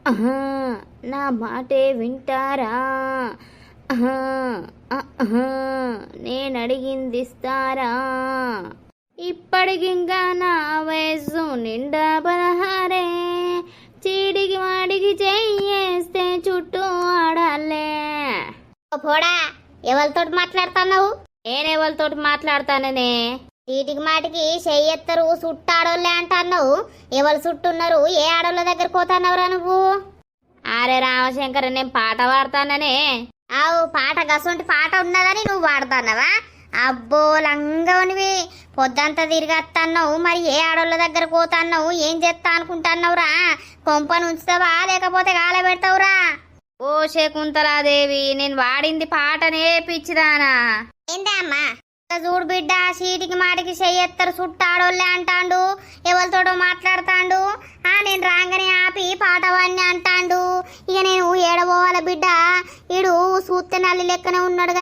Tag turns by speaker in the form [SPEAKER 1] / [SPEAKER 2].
[SPEAKER 1] ఆహా, నా మాటే వింటారా? ఆహా, ఆహా, నేను అడిగింది ఇస్తారా? ఇప్పటికింకా నా వయస్సు నిండా 16. చీడికి వాడికి చెయ్యేస్తే చుట్టూ ఆడాలే.
[SPEAKER 2] పోడా, ఎవరితోటి మాట్లాడుతున్నావు?
[SPEAKER 1] నేనెవరితోటి మాట్లాడతాననే?
[SPEAKER 2] చీటికి మాటికి చెయ్యెత్తరు చుట్టాడోళ్ళే అంటున్నావు. ఎవరు చుట్టున్నారు? ఏ ఆడోళ్ళ దగ్గర పోతున్నావురా నువ్వు?
[SPEAKER 1] అరే రామశంకర్, నేను పాట పాడతాననే.
[SPEAKER 2] ఆవు పాట గసొంటి పాట ఉన్నదని నువ్వు పాడుతున్నావా? అబ్బో లంగవనివి, పొద్దంతా తిరిగత్తన్నావు. మరి ఏ ఆడోళ్ళ దగ్గర పోతున్నావు? ఏం చేస్తా అనుకుంటున్నావురా? కొంపను ఉంచుతావా లేకపోతే గాల పెడతావురా?
[SPEAKER 1] ఓ శకుంతలాదేవి, నేను వాడింది పాటనే పిచ్చిదానా.
[SPEAKER 2] ఏందా అమ్మా? చూడు బిడ్డ, చీటికి మాటికి చెయ్యెత్తరు చుట్టాడోళ్ళే అంటాండు. ఎవరితోటో మాట్లాడతాండు. నేను రాగానే ఆపి పాట వాడిని అంటాండు. ఇక నేను ఏడబోవాల బిడ్డ? ఈడు సూత్తె నల్లి లెక్కనే ఉన్నాడు.